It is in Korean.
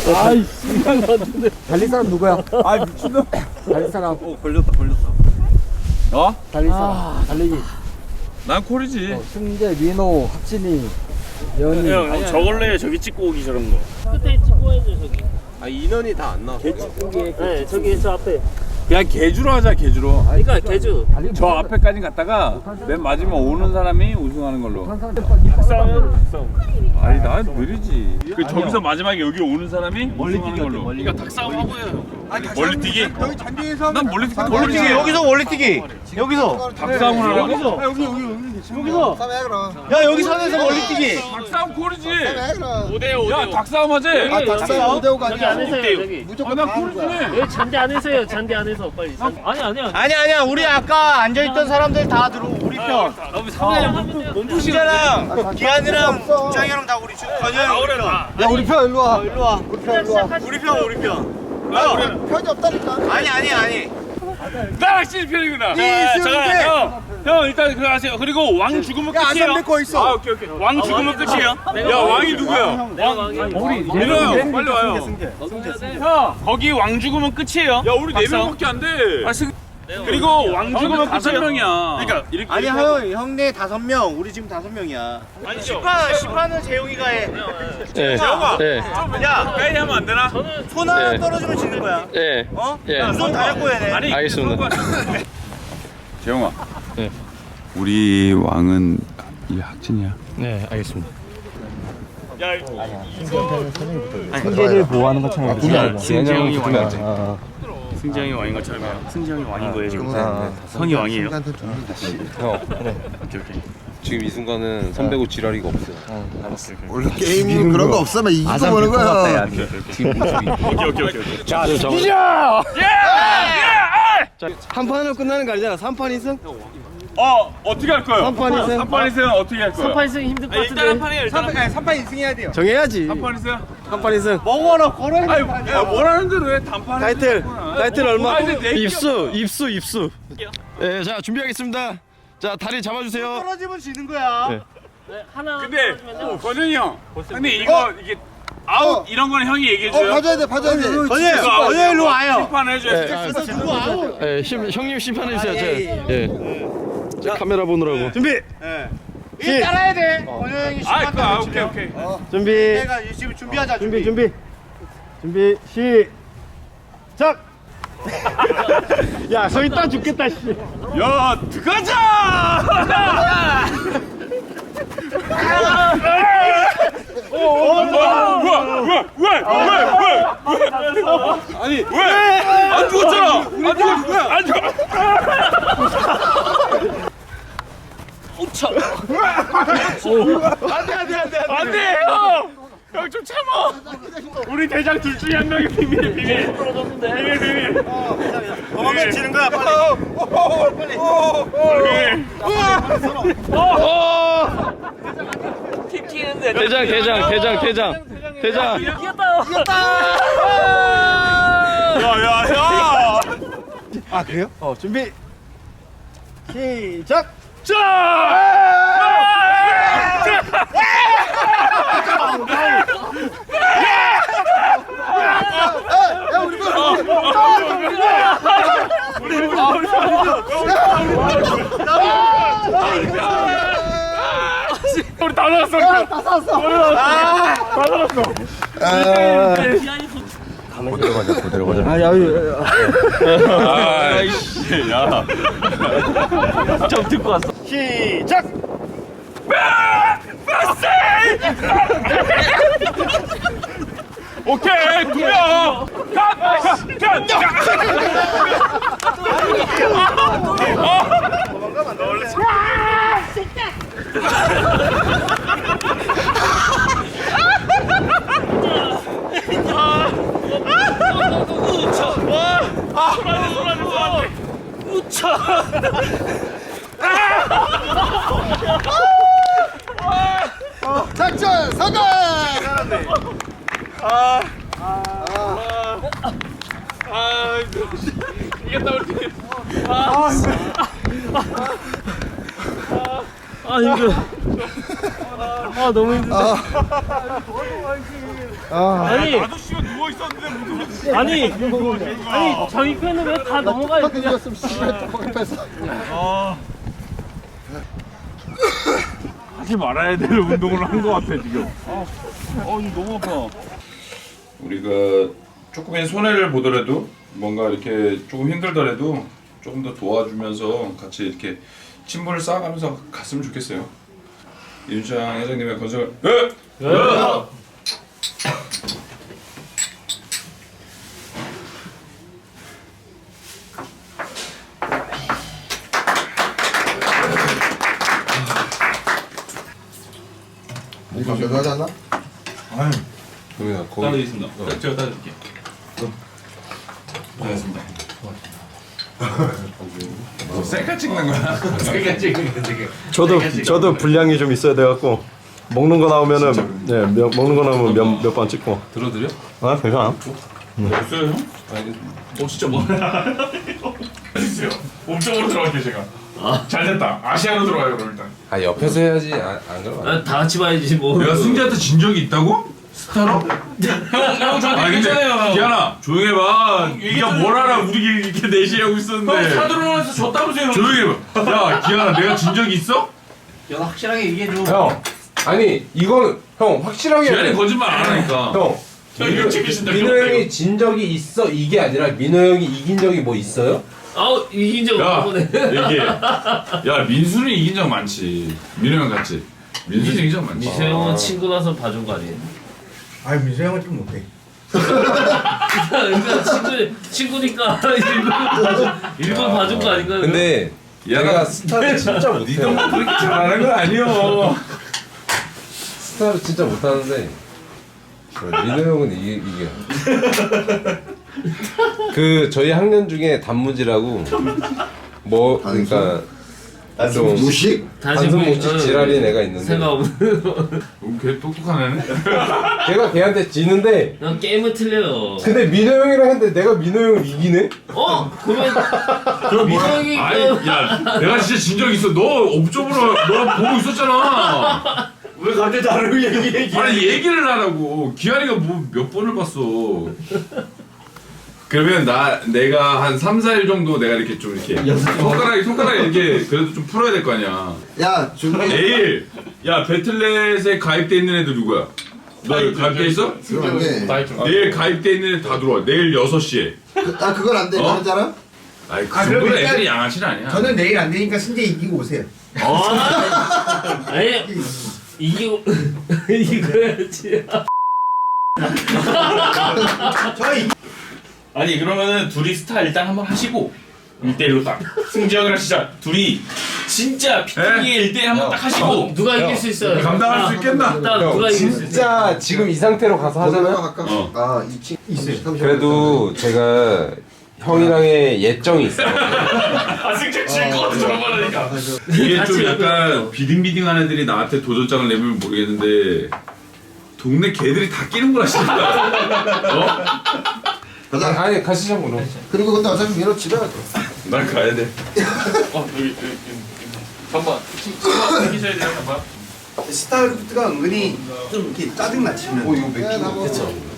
아이씨, 달릴 사람 누구야? 아 미친놈. 달릴 사람. 걸렸다. 어? 달릴 사람. 달리기. 난 콜이지. 승재, 민호, 학진이, 연희. 형 저걸로 해. 저기 찍고 오기 저런 거. 끝에 찍고 해야죠 저기. 아 인원이 다 안 나와. 네 저기 저 앞에. 그냥 개주로 하자 개주로. 그러니까 개주. 저 앞에까지 갔다가 맨 마지막 오는 사람이 우승하는 걸로. 닭싸움. 아니 나 느리지. 그 저기서 마지막에 여기 오는 사람이 우승하는 걸로. 그러니까 닭싸움 하고요. 멀리 뛰기? 여기 잔디에서 난 멀리 뛰기. 멀리뛰기 여기서 멀리뛰기. 여기서. 닭싸움을 하라고? 여기서. 야 여기 선에서 멀리뛰기. 닭싸움 콜이지. 5대5. 야 닭싸움 하지. 닭싸움 5대5가 저기 안에서 해요 저기. 나 콜이지. 여기 잔디 안에서 해요. 잔디 안에서 빨리. 아니야 우리 아까 앉아있던 사람들 다 들어 우리 편. 승재랑 기한이랑 국장이랑 다 우리 건영이 편. 야, 우리 편 일로 와. 일로 와. 우리 편. 편이 없다니까. 아니. 나 확실히 편이구나. 형 일단 그거 하세요. 그리고 왕 죽으면 끝이에요. 거 있어. 아 오케이. 왕 죽으면 끝이에요. 야 왕이 누구야? 내가 왕이야. 민호 형 빨리 와요. 형 거기 왕 죽으면 끝이에요. 야 우리 4명밖에 안 돼. 그리고 왕 죽으면 5명이야. 그러니까 이렇게 아니 형네 5명. 우리 지금 5명이야. 아니 시판은 재용이가 해. 네. 재용아. 네. 야 가까이 하면 안 되나? 손 하나 떨어지면 지는 거야. 예. 어? 예. 두 손 다 잡고 해야 돼. 아니 알겠습니다. 재영아. 네. 우리 왕은 이 학진이야. 네, 알겠습니다. 승재를 보호하는 것처럼. 승재형이 왕이죠. 승재형이 왕인 것처럼요. 승재형이 왕인 거예요 지금. 성이 왕이에요. 지금 이 순간은 선배고 지랄이가 없어요. 원래 게임은 그런 거 없으면 이기고 보는 거야. 오케이. 자, 한 판으로 끝나는 거 아니잖아. 3판 이승? 어떻게 할 거예요? 3판 이승? 3판 이승 어떻게 할 거예요? 3판 있으면 힘들 것 같은데. 일단 한 판이에요. 3판 이승해야 돼요. 정해야지. 3판 이승? 3판 이승. 먹어라 걸어야 돼. 아니 야 원하는 대로 해. 단판 타이틀 얼마? 아니, 근데 내 입수. 예, 자, 준비하겠습니다. 자, 다리 잡아주세요. 떨어지면 지는 거야. 네. 하나 근데 권현이 형 근데 이게 아웃 이런 거는 형이 얘기해줘요. 봐줘야 돼. 건영 일로 와요. 심판 해줘요. 누구 아웃? 예, 형님 심판해주세요. 예. 자, 카메라 보느라고. 준비. 이 따라야 돼. 건영 형이 아 심판 오케이. 준비. 내가 지금 준비하자. 준비. 시작. 야, 서 있다 죽겠다 씨. 야 들어가자. 왜? 아니 왜? 안 죽었잖아. 안 죽어. 안돼 형. 형 좀 참아. 우리 대장 둘 중에 한 명이 비밀. 비밀. 먹으면 지는 거야. 빨리. 팀 튀는데. 대장. 이겼다. 야야야. 아 그래요? 준비. 시작. 우리 다 살았어. 그대로 가자. 아이씨 야. 좀 듣고 왔어. 시작. 오케이 2명. 작전 성공. 이겼다 우리 팀. 힘들어. 너무 힘들다. 아니 나도 씨가 누워 누워 있었는데 무슨 아니 자기 팬은 왜 다 넘어가요 그냥. 하지 말아야 될 운동을 한 것 같아 지금. 이거 너무 아파. 우리가 조금의 손해를 보더라도 뭔가 이렇게 조금 힘들더라도 조금 더 도와주면서 같이 이렇게 친분을 쌓아가면서 갔으면 좋겠어요. 윤창 회장님의 건설. 이거 가져가지 않나? 따드리겠습니다. 제가 따드릴게요. 고맙습니다. 셀카 찍는 거야? 저도 분량이 좀 있어야 돼갖고 먹는 거 나오면은 먹는 거 나오면 몇 번 찍고. 들어드려? 아 괜찮아. 없어요 형? 진짜 뭐? 있어요. 몸쪽으로 들어갈게요 제가. 잘됐다. 아시아로 들어가요 그럼 일단. 아 옆에서 해야지. 안 그러면 다 같이 봐야지 뭐. 내가 승재한테 진 적이 있다고? 스타로? 형 저한테 얘기했잖아요. 기아나 조용히 해봐. 네가 뭘 알아? 우리 이렇게 내시하고 있었는데. 사드론에서 졌다면서요. 조용히 해봐. 야 기아나 내가 진 적이 있어? 연아 확실하게 얘기해줘. 형. 아니 이거는 형 확실하게 해야 기아니 돼. 거짓말 안 하니까. 형. 이거 찍히신다. 민호 형이 진 적이 있어 이게 아니라 민호 형이 이긴 적이 뭐 있어요? 아우 이긴 적 야 없네. 얘기해. 야 민수는 이긴 적 많지. 민호 형 같지. 민수는 이긴 적 많지. 미세 형은 친구라서 봐준 거 아니에요? 아니 민수 형은 좀 못해. 그러니까 친구니까 일부러 봐준 거 아닌가요? 근데 내가 스타를 진짜 못해. 니도 그렇게 잘하는 건 아니여. 스타를 진짜 못하는데 민호 형은 이게 그 저희 학년 중에 단무지라고 뭐 그러니까 좀 무식? 단순 무식 지랄인 애가 있는데 생각 없는. 걔 똑똑한 애네. 걔가 걔한테 지는데 난 게임은 틀려요. 근데 민호 형이랑 했는데 내가 민호 형을 이기네? 그러면 민호 형이 아니 야 내가 진짜 진 적 있어. 너 옵저버로 너 보고 있었잖아. 왜 갑자기 나를 얘기해? 아니 얘기를 하라고. 기한이가 뭐 몇 번을 봤어. 그러면 내가 한 3, 4일 정도 내가 이렇게 좀 이렇게 손가락 이렇게 그래도 좀 풀어야 될 거 아니야. 야 준비. 내일 야 배틀넷에 가입돼 있는 애들 누구야? 너 가입돼 있어? 그럼 안 돼. 내일 가입돼 있는 애들 다 들어와. 내일 6시에. 아 그건 안 돼. 어? 다른 사람? 아이 그 정도는 애들이 양아치는 아니야. 저는 내일 안 되니까 승재 이기고 오세요. 아니 이기고 이거야지. 아니 그러면은 둘이 스타 일단 한번 하시고 1대1로 딱 승재형이랑 진짜 둘이 진짜 피팅에 1대1 한번 딱 하시고 누가 이길 수 있어요? 감당할 수 있겠나? 일단 누가 이길 수 있어요? 진짜 지금 이 상태로 가서 하잖아요? 아 2층 있어요. 그래도 제가 형이랑의 예정이 있어요. 승재 질것 같아 저런 말 하니까. 이게 좀 약간 비딩비딩한 애들이 나한테 도전장을 내면 모르겠는데 동네 개들이 다 끼는구나 싶다. 가자. 아니 가시죠 뭐. 그리고 근데 어차피 민호 집에 가. 난 가야 돼. 여기 잠깐만 이기셔야 돼요 잠깐만. 스타크래프트가 은근히 좀 이렇게 짜증나 치면. 이거 몇 개?